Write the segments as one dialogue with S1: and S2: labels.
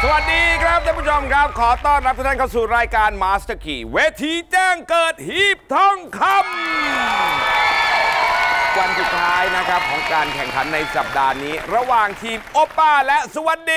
S1: สวัสดีครับท่านผู้ชมครับขอต้อนรับทุกท่านเข้าสู่รายการ Master Key เวทีแจ้งเกิดหีบทองคำวันสุดท้ายนะครับของการแข่งขันในสัปดาห์นี้ระหว่างทีมโอป้าและสวัสดี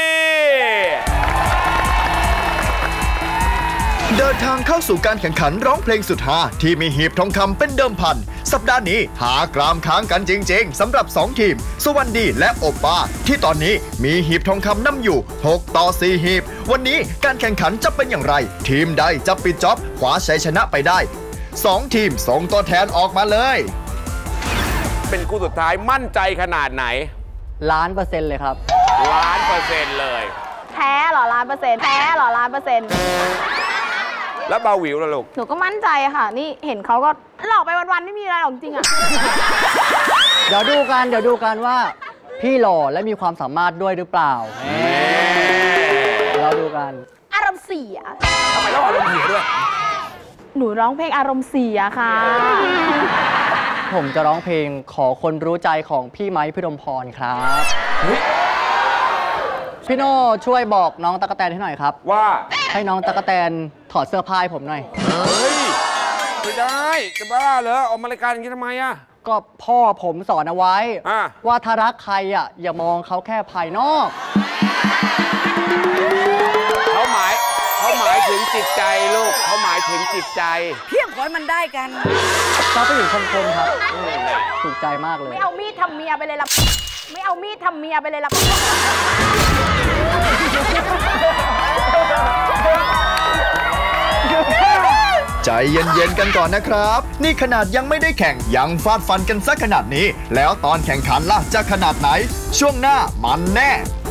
S2: เดินทางเข้าสู่การแข่งขันร้องเพลงสุดฮาที่มีหีบทองคำเป็นเดิมพันสัปดาห์นี้หากรามค้างกันจริงๆสำหรับ2ทีมสวัสดีและโอป้าที่ตอนนี้มีหีบทองคำนำอยู่6-4หีบวันนี้การแข่งขันจะเป็นอย่างไรทีมใดจะปิดจ็อบคว้าชัยชนะไปได้2ทีมส่งตัวแทนออกมาเลย
S1: เป็นคู่สุดท้ายมั่นใจขนาดไหน
S3: 1,000,000%เลยครับ
S1: 1,000,000%เลย
S4: แท้เหรอ1,000,000%แท้เหรอ1,000,000%
S1: แล้วบาวิวล่ะลูก
S4: หนูก็มั่นใจค่ะนี่เห็นเขาก็หลอกไปวันๆไม่มีอะไรหรอกจริงอ่ะ
S3: เดี๋ยวดูกันว่าพี่หล่อและมีความสามารถด้วยหรือเปล่าเราดูกัน
S4: อารมณ์เสีย
S1: ทำไมต้องอารมณ์เสียด้วย
S4: หนูร้องเพลงอารมณ์เสียค่ะ
S3: ผมจะร้องเพลงขอคนรู้ใจของพี่ไม้พิรมพรครับพี่โน่ช่วยบอกน้องตั๊กแตนให้หน่อยครับ
S1: ว่า
S3: ให้น้องตั๊กแตนถอดเสื้อผ้าให้ผมหน่อย
S1: เฮ้ยไม่ได้จะบ้าเหรอออกมารายการอย่างนี้ทำไมอะ
S3: ก็พ่อผมสอนเอาไว้ว่าถ้ารักใครอ่ะอย่ามองเขาแค่ภายนอก
S1: เขาหมายถึงจิตใจลูกเขาหมายถึงจิตใจ
S4: เพียงขอให้มันได้กัน
S3: เขาไปอยู่คมๆครับถูกใจมากเลย
S4: ไม่เอามีดทำเมียไปเลยล่ะไม่เอามีดทำเมียไปเลยล่ะ
S2: ใจเย็นๆกันก่อนนะครับนี่ขนาดยังไม่ได้แข่งยังฟาดฟันกันซะขนาดนี้แล้วตอนแข่งขันล่ะจะขนาดไหนช่วงหน้ามันแน่